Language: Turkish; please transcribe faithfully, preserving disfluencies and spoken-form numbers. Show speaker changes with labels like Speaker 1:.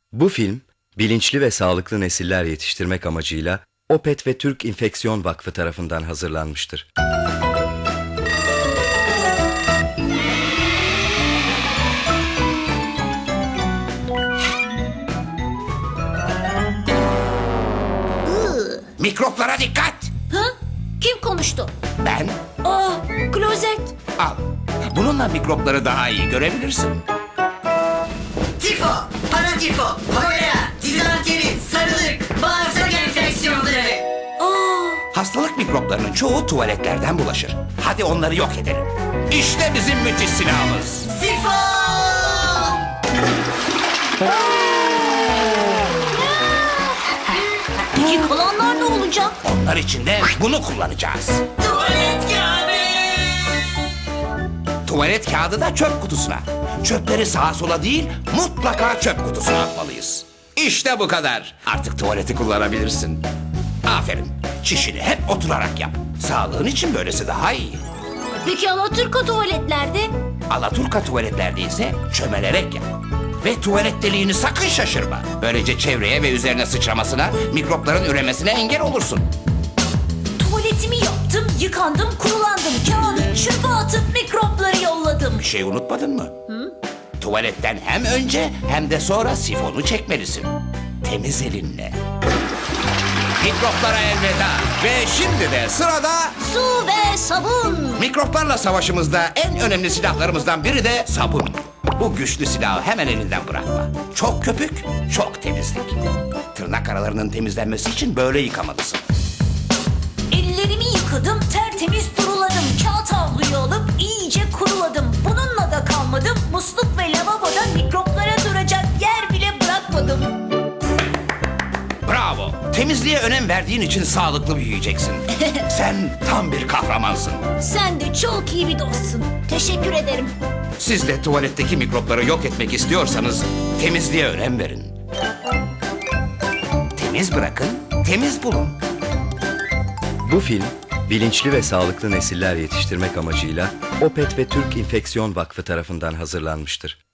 Speaker 1: Bu film, bilinçli ve sağlıklı nesiller yetiştirmek amacıyla Opet ve Türk İnfeksiyon Vakfı tarafından hazırlanmıştır.
Speaker 2: Mikroplara dikkat!
Speaker 3: Ha? Kim konuştu?
Speaker 2: Ben
Speaker 3: Aa, klozet.
Speaker 2: al. Bununla mikropları daha iyi görebilirsin.
Speaker 4: Tifo, paratifo, kolera, dizanteri, sarılık, bağırsak enfeksiyonları.
Speaker 3: Aa,
Speaker 2: Hastalık mikroplarının çoğu tuvaletlerden bulaşır. Hadi onları yok edelim. İşte bizim müthiş silahımız.
Speaker 4: Sifo!
Speaker 3: peki kalanlar ne olacak?
Speaker 2: Onlar için de bunu kullanacağız.
Speaker 4: Tuvalet kağıdı!
Speaker 2: Tuvalet kağıdı da çöp kutusuna. Çöpleri sağa sola değil, mutlaka çöp kutusuna atmalıyız. İşte bu kadar. Artık tuvaleti kullanabilirsin. Aferin. Çişini hep oturarak yap. Sağlığın için böylesi daha iyi.
Speaker 3: Peki Alaturka tuvaletlerde?
Speaker 2: Alaturka tuvaletlerde ise çömelerek yap. Ve tuvalet deliğini sakın şaşırma. Böylece çevreye ve üzerine sıçramasına, mikropların üremesine engel olursun.
Speaker 3: Tuvaletimi yaptım, yıkandım, kurulandım. Kağıdı çöpe atıp mikropları yolladım.
Speaker 2: Bir şey unutmadın mı? Tuvaletten hem önce hem de sonra sifonu çekmelisin. Temiz elinle. Mikroplara elveda. Ve şimdi de sırada
Speaker 3: Su ve sabun.
Speaker 2: mikroplarla savaşımızda en önemli silahlarımızdan biri de sabun. Bu güçlü silahı hemen elinden bırakma. Çok köpük, çok temizlik. Tırnak aralarının temizlenmesi için böyle yıkamalısın.
Speaker 3: Ellerimi yıkadım, tertemiz duruladım. Kağıt havluyu alıp iyice kuruladım. Bununla da kalmadım. Musluk ve lavaboda mikroplara duracak yer bile bırakmadım.
Speaker 2: Bravo. Temizliğe önem verdiğin için sağlıklı büyüyeceksin. Sen tam bir kahramansın.
Speaker 3: Sen de çok iyi bir dostsun. Teşekkür ederim.
Speaker 2: Siz de tuvaletteki mikropları yok etmek istiyorsanız temizliğe önem verin. Temiz bırakın, temiz bulun.
Speaker 1: Bu film, bilinçli ve sağlıklı nesiller yetiştirmek amacıyla Opet ve Türk İnfeksiyon Vakfı tarafından hazırlanmıştır.